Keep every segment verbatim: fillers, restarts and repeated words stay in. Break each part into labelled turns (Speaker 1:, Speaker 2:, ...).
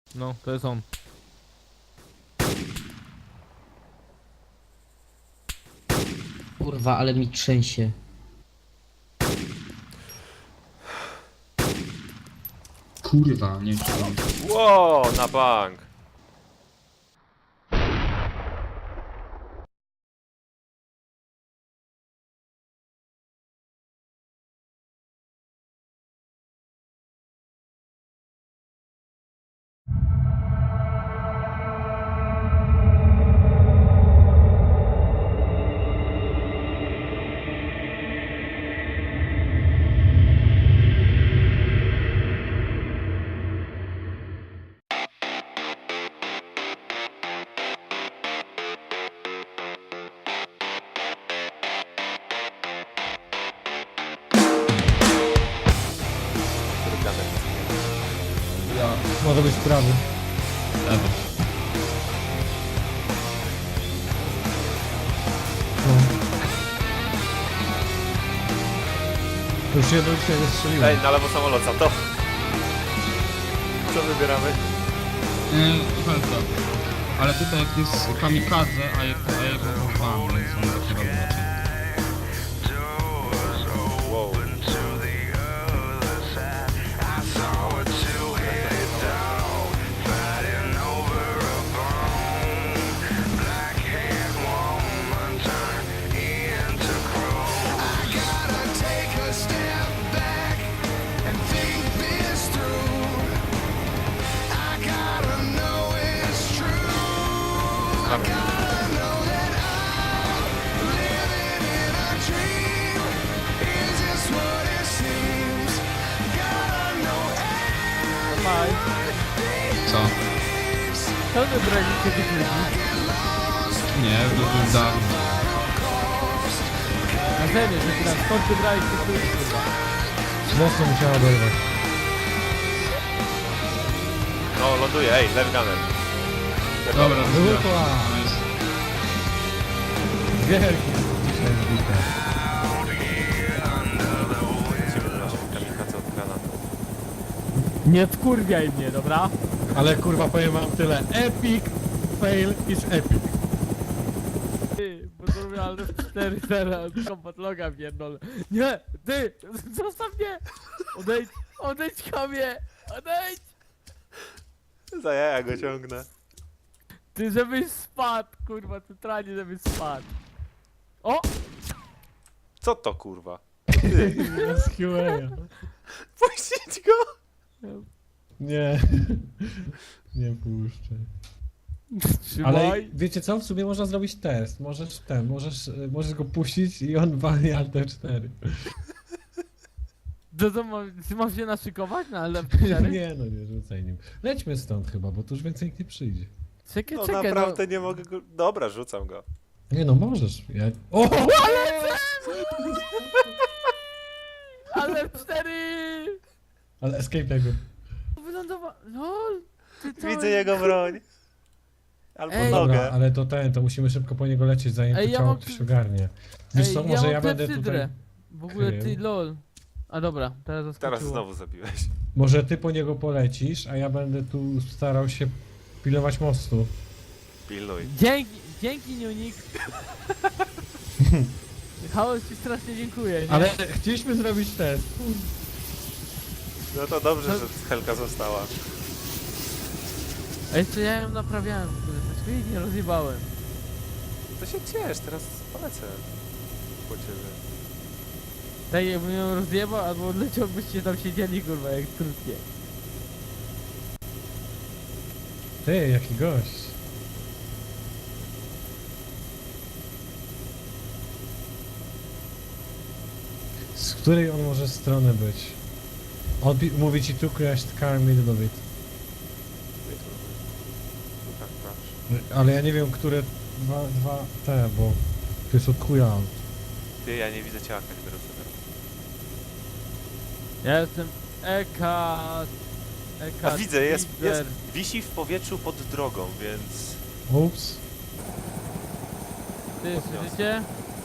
Speaker 1: No, to jest on.
Speaker 2: Kurwa, ale mi trzęsie.
Speaker 3: Kurwa, nie wiem.
Speaker 4: Ło, na bank.
Speaker 3: Ja.
Speaker 1: Może być prawy.
Speaker 3: Lewy.
Speaker 1: Już jedno dzisiaj nie strzeliłem.
Speaker 4: Ej, na lewo samolot, za to. Co wybieramy?
Speaker 3: Yy, Helka. Ale tutaj jak jest kamikadze, a jak a jego mam, więc on dopiero raczej.
Speaker 4: Wow.
Speaker 1: Maj.
Speaker 3: Co?
Speaker 1: Co wybraliście tych ludzi?
Speaker 3: Nie, to już dawno.
Speaker 1: Na serio, że teraz skąd wybraliście tych ludzi, kurwa? Mocno musiała oderwać.
Speaker 4: No, ląduje, ej, lewy gunner.
Speaker 3: Dobra,
Speaker 1: Było
Speaker 3: rozbiera.
Speaker 1: to, a.
Speaker 3: Nice.
Speaker 1: Wielki dzisiaj wbite.
Speaker 4: Lecimy do naszych kamikadze od granatu.
Speaker 1: Nie wkurwiaj mnie, dobra? Ale kurwa powiem wam tyle. Epic fail is epic. Ty, bo to robię ale cztery teraz, kompat loga pierdolę. Nie, ty, zostaw mnie! Odejdź, odejdź kamie, odejdź!
Speaker 4: Za jaja go ciągnę.
Speaker 1: Ty, żebyś spadł, kurwa, centralnie żebyś spadł. O!
Speaker 4: Co to kurwa?
Speaker 1: Z Q A.
Speaker 4: Puścić go!
Speaker 1: Nie, nie puszczę.
Speaker 5: Ale
Speaker 1: Trzymaj.
Speaker 5: wiecie co? W sumie można zrobić test. Możesz ten, możesz, możesz go puścić i on walnie alt cztery.
Speaker 1: To co, mam, ty mam się naszykować na L
Speaker 5: Nie no, nie rzucaj nim. Lećmy stąd chyba, bo tu już więcej nikt nie przyjdzie.
Speaker 1: Czekaj,
Speaker 4: No
Speaker 1: czekaj,
Speaker 4: naprawdę nie mogę go... Dobra, rzucam go.
Speaker 5: Nie no, możesz. Ja... O!
Speaker 1: no. L cztery!
Speaker 5: Ale escape tego.
Speaker 1: Wylądowa... LOL! Ty to...
Speaker 4: Widzę jego broń. Albo
Speaker 1: Ej.
Speaker 4: nogę.
Speaker 5: Dobra, ale to ten, to musimy szybko po niego lecieć, zanim
Speaker 1: Ej,
Speaker 5: to
Speaker 1: ja
Speaker 5: ciało
Speaker 1: mam-
Speaker 5: ktoś ogarnie. Wiesz
Speaker 1: Ej,
Speaker 5: co, może
Speaker 1: mam
Speaker 5: ja będę
Speaker 1: klepsydrę.
Speaker 5: tutaj...
Speaker 1: W ogóle ty,
Speaker 5: krył.
Speaker 1: lol. A dobra, teraz zaskoczyło.
Speaker 4: Teraz znowu zabiłeś.
Speaker 5: Może ty po niego polecisz, a ja będę tu starał się pilnować mostu.
Speaker 4: Pilnuj.
Speaker 1: Dzięki, dzięki Niunik. Chaos ci strasznie dziękuję, nie?
Speaker 5: Ale chcieliśmy zrobić test.
Speaker 4: No to dobrze, że Helka została.
Speaker 1: A jeszcze ja ją naprawiałem, kurde, to jej nie rozjebałem.
Speaker 4: To się ciesz, teraz polecę. Po ciebie.
Speaker 1: Tak jakbym ją rozjebał, albo odleciał, byście tam siedzieli, kurwa, jak krótkie.
Speaker 5: Ty, jaki gość. Z której on może strony być? On pi- mówi ci tu crashed car middle of it.
Speaker 4: Tak, proszę.
Speaker 5: Ale ja nie wiem, które dwa, dwa te, bo to jest od chuja.
Speaker 4: Ty, ja nie widzę ciała Kalibrosa teraz.
Speaker 1: Ja jestem Eka... Eka...
Speaker 4: A widzę, jest,
Speaker 1: Tiger.
Speaker 4: jest, wisi w powietrzu pod drogą, więc...
Speaker 5: Ups.
Speaker 1: Ty, słyszycie?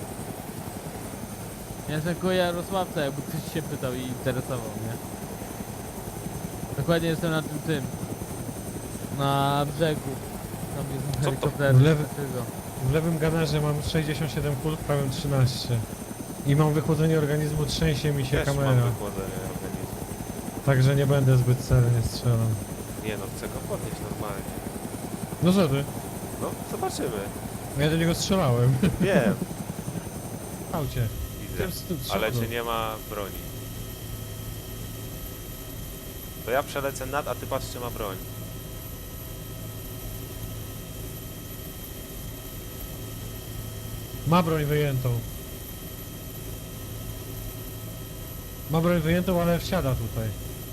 Speaker 1: Ja jestem koło Jarosławca, jakby ktoś się pytał i interesował, nie? Dokładnie jestem na tym tym. Na brzegu. Tam jest
Speaker 4: Co to?
Speaker 1: helikopter.
Speaker 5: W lewy-
Speaker 1: Tego.
Speaker 5: W lewym ganarze mam sześćdziesiąt siedem kul, w prawym trzynaście. I mam wychłodzenie organizmu, trzęsie mi się
Speaker 4: Też mam
Speaker 5: kamera.
Speaker 4: wykładanie organizmu.
Speaker 5: Także nie będę zbyt celnie strzelał.
Speaker 4: Nie no, chcę go podnieść normalnie.
Speaker 5: No co ty?
Speaker 4: No, zobaczymy.
Speaker 5: Ja do niego strzelałem.
Speaker 4: Wiem,
Speaker 5: W aucie.
Speaker 4: widzę.
Speaker 5: Tym z tym
Speaker 4: Ale
Speaker 5: przodu.
Speaker 4: cię nie ma broni. To ja przelecę nad, a ty patrz czy ma broń.
Speaker 5: Ma broń wyjętą. Ma broń wyjętą, ale wsiada tutaj.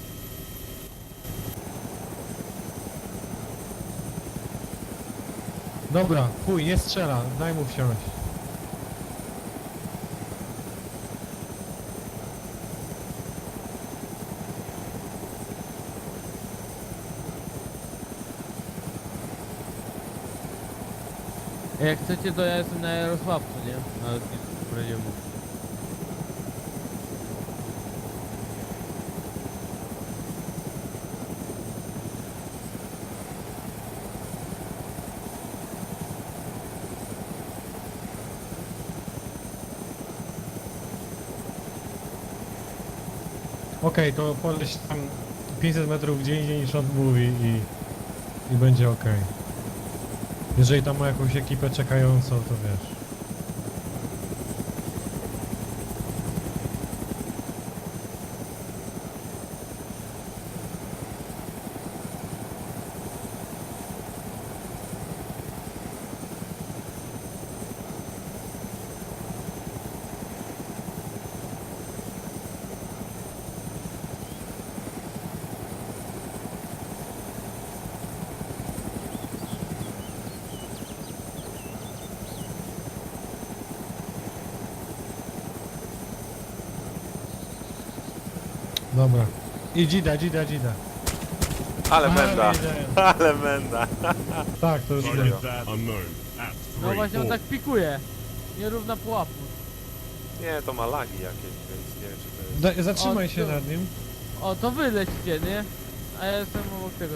Speaker 5: Dobra, chuj, nie strzela, daj mu wsiąść.
Speaker 1: Jak chcecie, to ja jestem na Jarosławcu, nie? Na lotnisku Braziemu.
Speaker 5: Okej, to poleś tam pięćset metrów gdzie indziej niż on mówi i, i będzie okej. Jeżeli tam ma jakąś ekipę czekającą, to wiesz. Dobra. I dzida, dzida, dzida.
Speaker 4: Ale
Speaker 5: Ale
Speaker 4: menda,
Speaker 5: wiedziałem.
Speaker 4: ale menda.
Speaker 5: Tak, to już
Speaker 4: Serio.
Speaker 5: wiem.
Speaker 2: Unknown at
Speaker 1: No
Speaker 2: three,
Speaker 1: właśnie on
Speaker 2: four.
Speaker 1: tak pikuje. Nierówna pułapka.
Speaker 4: Nie, to ma lagi jakieś, więc nie wiem czy to jest...
Speaker 5: Da, zatrzymaj
Speaker 1: O,
Speaker 5: się
Speaker 1: tu.
Speaker 5: nad nim.
Speaker 1: O, to wy lecicie, nie? A ja jestem obok tego.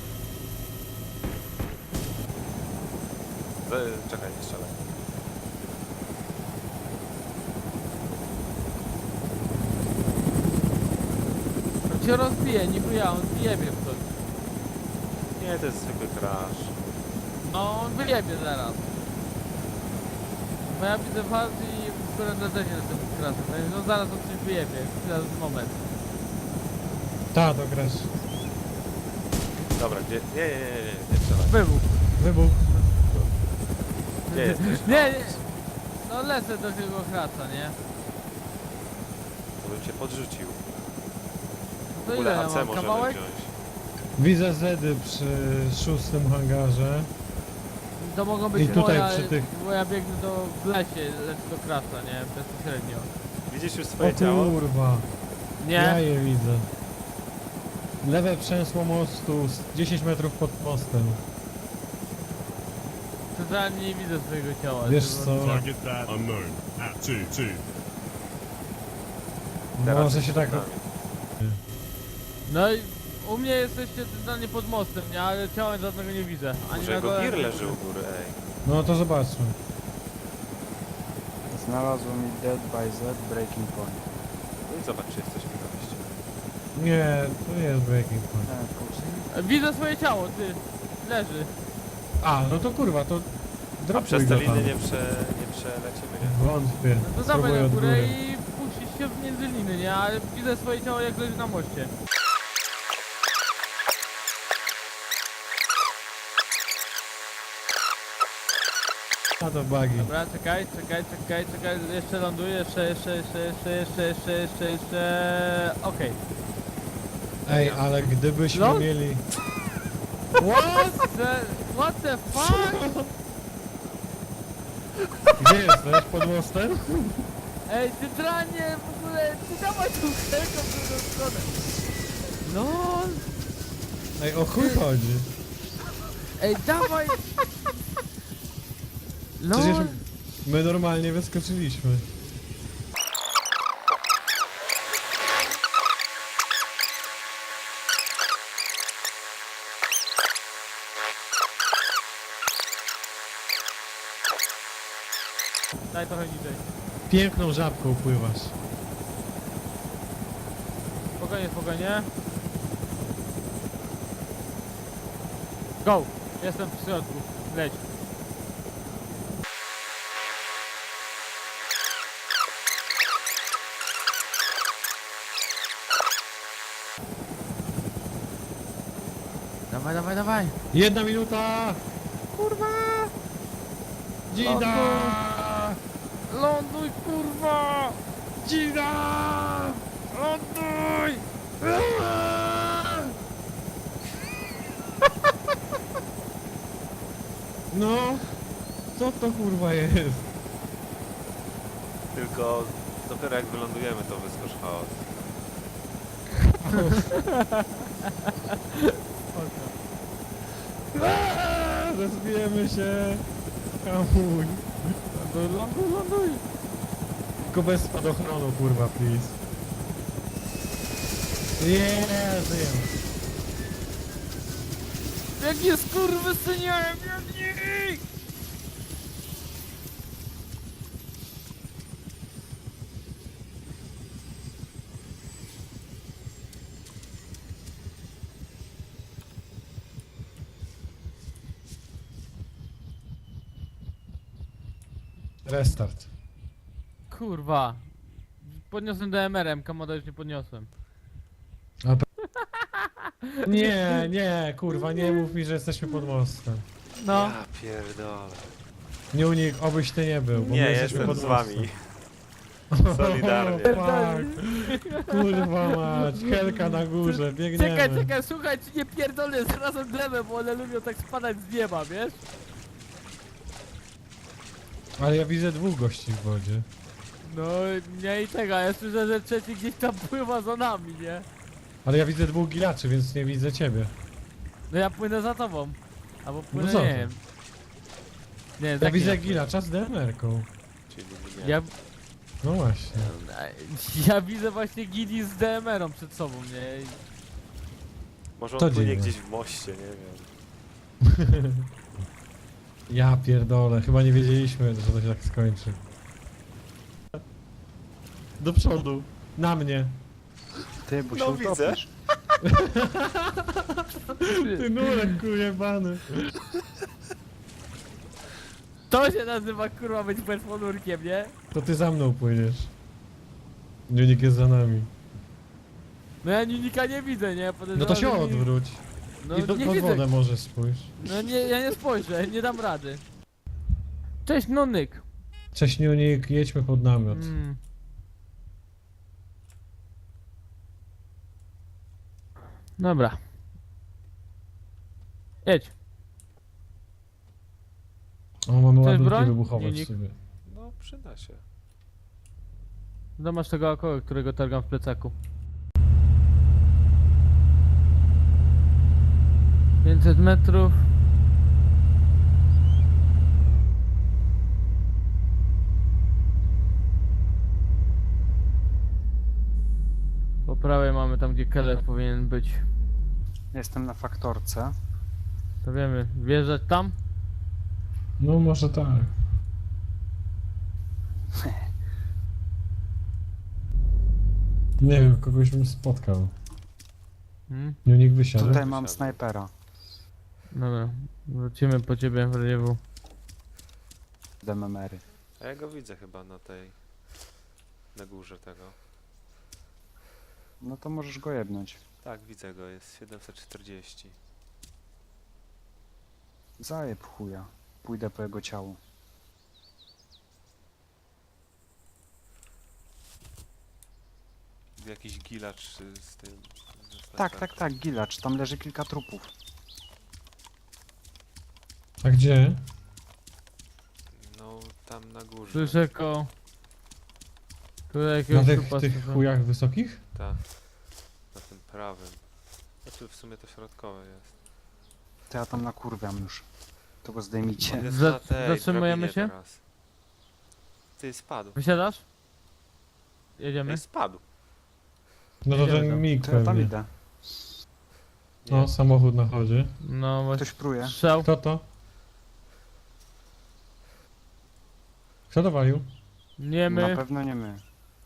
Speaker 4: E, Czekaj, nie strzelaj.
Speaker 1: On cię rozbije, nie chuja, on wyjebie w to.
Speaker 4: Nie, to jest zwykły crash.
Speaker 1: No, on wyjebie zaraz. Bo ja widzę faz i w którym też nie jestem krasem, więc no zaraz on coś wyjebie. Teraz moment.
Speaker 5: Ta, to grasz.
Speaker 4: Dobra, gdzie... Nie, nie, nie, nie, nie strzelaj.
Speaker 1: Wybuch.
Speaker 5: Wybuch.
Speaker 4: Gdzie jesteś?
Speaker 1: Nie, nie. No lecę do tego kraca, nie?
Speaker 4: To bym cię podrzucił.
Speaker 1: No
Speaker 4: W
Speaker 1: to ile
Speaker 4: ogóle
Speaker 1: ja
Speaker 4: A C
Speaker 1: mam?
Speaker 4: możemy
Speaker 1: Kawałek?
Speaker 4: wziąć.
Speaker 5: Widzę Zedy przy szóstym hangarze.
Speaker 1: To mogą być
Speaker 5: I tutaj
Speaker 1: moja,
Speaker 5: przy tych-
Speaker 1: bo ja biegnę do w lesie, lecę do kraca, nie? Bezpośrednio.
Speaker 4: Widzisz już
Speaker 5: O
Speaker 4: swoje ciało?
Speaker 5: kurwa.
Speaker 1: Nie?
Speaker 5: Ja je widzę. Lewe przęsło mostu, z dziesięć metrów pod mostem.
Speaker 1: Totalnie nie widzę swojego ciała.
Speaker 5: Wiesz
Speaker 1: żeby-
Speaker 5: co?
Speaker 2: Target that unknown at two, two.
Speaker 4: Teraz
Speaker 5: Może się tak...
Speaker 4: przed nami.
Speaker 1: No i u mnie jesteście totalnie pod mostem, nie? Ale ciała żadnego nie widzę. Ani
Speaker 4: Może
Speaker 1: na
Speaker 4: jego
Speaker 1: dole,
Speaker 4: gir
Speaker 1: ani na
Speaker 4: leży u
Speaker 1: górze.
Speaker 4: góry, ej.
Speaker 5: No to zobaczmy.
Speaker 6: Znalazło mi Dead by Z Breaking Point.
Speaker 4: No i zobacz, czy jesteśmy na mieście.
Speaker 5: Nie, to nie jest breaking point.
Speaker 6: Ten kurczę.
Speaker 1: Widzę swoje ciało, ty. Leży.
Speaker 5: A, no to kurwa, to...
Speaker 4: A
Speaker 5: dropuj
Speaker 4: przez te
Speaker 5: go tam.
Speaker 4: liny nie, prze, nie przelecimy, nie?
Speaker 5: Wątpię.
Speaker 1: No to dawaj
Speaker 5: Spróbuję
Speaker 1: na
Speaker 5: od
Speaker 1: górę
Speaker 5: góry.
Speaker 1: i puścić się między liny, nie? Ale widzę swoje ciało jak leży na moście.
Speaker 5: A to bugi.
Speaker 1: Dobra, czekaj, czekaj, czekaj, czekaj, jeszcze ląduję, jeszcze, jeszcze, jeszcze, jeszcze, jeszcze, jeszcze, jeszcze, jeszcze, okej.
Speaker 5: Ej, ale gdybyśmy
Speaker 1: Lol?
Speaker 5: mieli...
Speaker 1: What the, what the fuck?
Speaker 5: Gdzie jesteś? Pod mostem?
Speaker 1: Ej, ty dranie, w ogóle, ty dawaj tą helką w drugą stronę. No,
Speaker 5: Ej, o chuj chodzi.
Speaker 1: ej, dawaj. No,
Speaker 5: Przecież my normalnie wyskoczyliśmy.
Speaker 1: Daj trochę niżej.
Speaker 5: Piękną żabką pływasz.
Speaker 1: Spokojnie, spokojnie. Go! Jestem w środku. Leć. Dawaj, dawaj, dawaj!
Speaker 5: Jedna minuta!
Speaker 1: Kurwa!
Speaker 5: Dzida!
Speaker 1: Ląduj, kurwa!
Speaker 5: Dzida!
Speaker 1: Ląduj!
Speaker 5: No! Co to kurwa jest?
Speaker 4: Tylko dopiero jak wylądujemy, to wyskoczy chaos.
Speaker 5: Aaaa, rozbijemy się! Hamuj!
Speaker 1: Ląduj, ląduj, ląduj!
Speaker 5: Tylko bez spadochronu kurwa, please. Nie, żyjemy.
Speaker 1: Jakie skurwysyniałem, biegnij!
Speaker 5: Restart.
Speaker 1: Kurwa. Podniosłem D M R-em, Kamoda już nie podniosłem.
Speaker 5: Nie, nie, kurwa, nie mów mi, że jesteśmy pod mostem.
Speaker 1: No.
Speaker 4: Ja pierdolę.
Speaker 5: Nie unik, obyś ty nie był, bo
Speaker 4: Nie,
Speaker 5: my jesteśmy
Speaker 4: jestem
Speaker 5: pod
Speaker 4: z
Speaker 5: mostem.
Speaker 4: wami. Solidarnie.
Speaker 5: Fuck. Kurwa mać, Helka na górze, biegniemy.
Speaker 1: Czekaj, czekaj, słuchaj, czy nie pierdolę zarazem glebę, bo one lubią tak spadać z nieba, wiesz?
Speaker 5: Ale ja widzę dwóch gości w wodzie.
Speaker 1: No, nie i tego, ja słyszę, że trzeci gdzieś tam pływa za nami, nie?
Speaker 5: Ale ja widzę dwóch gilaczy, więc nie widzę ciebie.
Speaker 1: No ja płynę za tobą. Albo płynę,
Speaker 5: co
Speaker 1: nie
Speaker 5: ty?
Speaker 1: wiem. Nie,
Speaker 5: Ja
Speaker 1: tak
Speaker 5: widzę
Speaker 1: nie
Speaker 5: gilacza z D M R-ką.
Speaker 4: Czyli
Speaker 1: płynę.
Speaker 4: nie.
Speaker 1: Ja,
Speaker 5: No właśnie.
Speaker 1: ja widzę właśnie gili z D M R-ą przed sobą, nie?
Speaker 4: Może on
Speaker 5: To
Speaker 4: płynie
Speaker 5: dziwne.
Speaker 4: gdzieś w moście, nie wiem.
Speaker 5: Ja pierdolę, chyba nie wiedzieliśmy, że to się tak skończy. Do przodu. Na mnie.
Speaker 6: Ty, bo się
Speaker 4: No widzę.
Speaker 6: utopisz.
Speaker 5: Ty nurek kujebany.
Speaker 1: To się nazywa kurwa być bezponurkiem, nie?
Speaker 5: To ty za mną płyniesz. Unik jest za nami.
Speaker 1: No ja Ninika nie widzę, nie?
Speaker 5: No
Speaker 1: Podejrzewam,
Speaker 5: to się
Speaker 1: że nie-
Speaker 5: odwróć.
Speaker 1: No
Speaker 5: I do,
Speaker 1: nie
Speaker 5: pod
Speaker 1: widzę.
Speaker 5: wodę może spójrz.
Speaker 1: No nie, ja nie spojrzę, nie dam rady. Cześć, Nunyk.
Speaker 5: Cześć Unik, jedźmy pod namiot.
Speaker 1: Mm. Dobra. Jedź.
Speaker 5: O, mamy
Speaker 1: Chcesz
Speaker 5: ładunki
Speaker 1: broń?
Speaker 5: wybuchowe w
Speaker 1: Unik?
Speaker 5: sobie.
Speaker 4: No, przyda się.
Speaker 1: No masz tego około, którego targam w plecaku. pięćset metrów. Po prawej mamy tam, gdzie Keller powinien być.
Speaker 6: Jestem na faktorce.
Speaker 1: To wiemy, wjeżdżać tam?
Speaker 5: No może tak. Nie wiem, kogoś bym spotkał.
Speaker 1: Hmm?
Speaker 5: Unik wysiadł.
Speaker 6: Tutaj mam snajpera.
Speaker 1: Dobra, wrócimy po ciebie w rewiewu.
Speaker 6: D M R-y.
Speaker 4: A ja go widzę chyba na tej... na górze tego.
Speaker 6: No to możesz go jebnąć.
Speaker 4: Tak, widzę go, jest siedemset czterdzieści.
Speaker 6: Zajeb chuja. Pójdę po jego ciało.
Speaker 4: Jakiś gilacz y, z tym... ze
Speaker 6: Tak,
Speaker 4: snajperką.
Speaker 6: tak, tak, gilacz. Tam leży kilka trupów.
Speaker 5: A gdzie?
Speaker 4: No, tam na górze.
Speaker 1: Słyszę ko... Tutaj
Speaker 5: Na
Speaker 1: jakiegoś
Speaker 5: tych,
Speaker 1: trupa
Speaker 5: tych
Speaker 1: słyszę.
Speaker 5: chujach wysokich?
Speaker 4: Tak. Na tym prawym. Znaczy w sumie to środkowe jest.
Speaker 6: To ja tam nakurwiam już. To go zdejmijcie.
Speaker 4: On jest
Speaker 1: Za-
Speaker 4: na tej
Speaker 1: zatrzymujemy
Speaker 4: drabinie
Speaker 1: się?
Speaker 4: teraz. Ty, spadł.
Speaker 1: Wysiadasz? Jedziemy?
Speaker 4: Ej, spadł.
Speaker 5: No to
Speaker 1: Jedziemy
Speaker 5: ten
Speaker 1: tam.
Speaker 5: mig
Speaker 6: To ja tam
Speaker 5: pewnie.
Speaker 6: idę.
Speaker 4: Nie.
Speaker 5: No, samochód na chodzie.
Speaker 1: No właśnie.
Speaker 6: Ktoś pruje.
Speaker 1: Strzał.
Speaker 5: Kto to? Kto dowalił?
Speaker 1: Nie
Speaker 6: Na
Speaker 1: my.
Speaker 6: pewno nie my.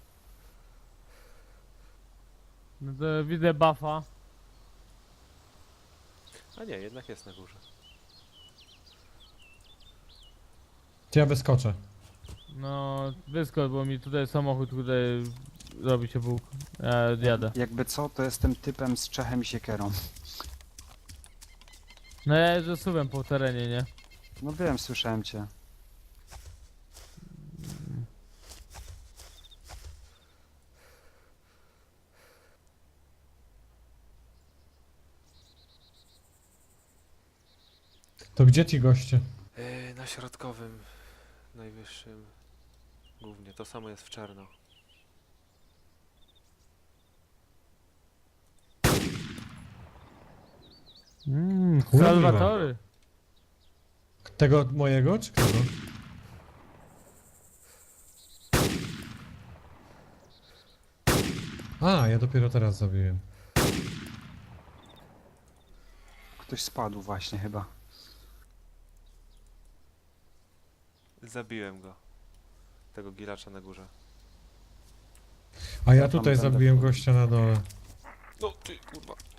Speaker 1: No to widzę buffa.
Speaker 4: A nie, jednak jest na górze.
Speaker 5: To ja wyskoczę.
Speaker 1: No, wyskocz, bo mi tutaj samochód tutaj robi się Bóg. Ja jadę.
Speaker 6: Jakby co, to jestem typem z Czechem i siekierą.
Speaker 1: No ja jeżdżę suwem po terenie, nie?
Speaker 6: No wiem, słyszałem cię.
Speaker 5: To gdzie ci goście?
Speaker 4: Yy, na środkowym, najwyższym, głównie. To samo jest w czarno.
Speaker 1: Mmm,
Speaker 5: Kurwa.
Speaker 1: Salwatory.
Speaker 5: Tego mojego, czy kogo? A, ja dopiero teraz zabiłem.
Speaker 6: Ktoś spadł właśnie chyba.
Speaker 4: Zabiłem go. Tego gilacza na górze.
Speaker 5: A ja
Speaker 6: Ja tam
Speaker 5: tutaj
Speaker 6: będę
Speaker 5: zabiłem
Speaker 6: wchodził.
Speaker 5: gościa na dole.
Speaker 4: No ty kurwa.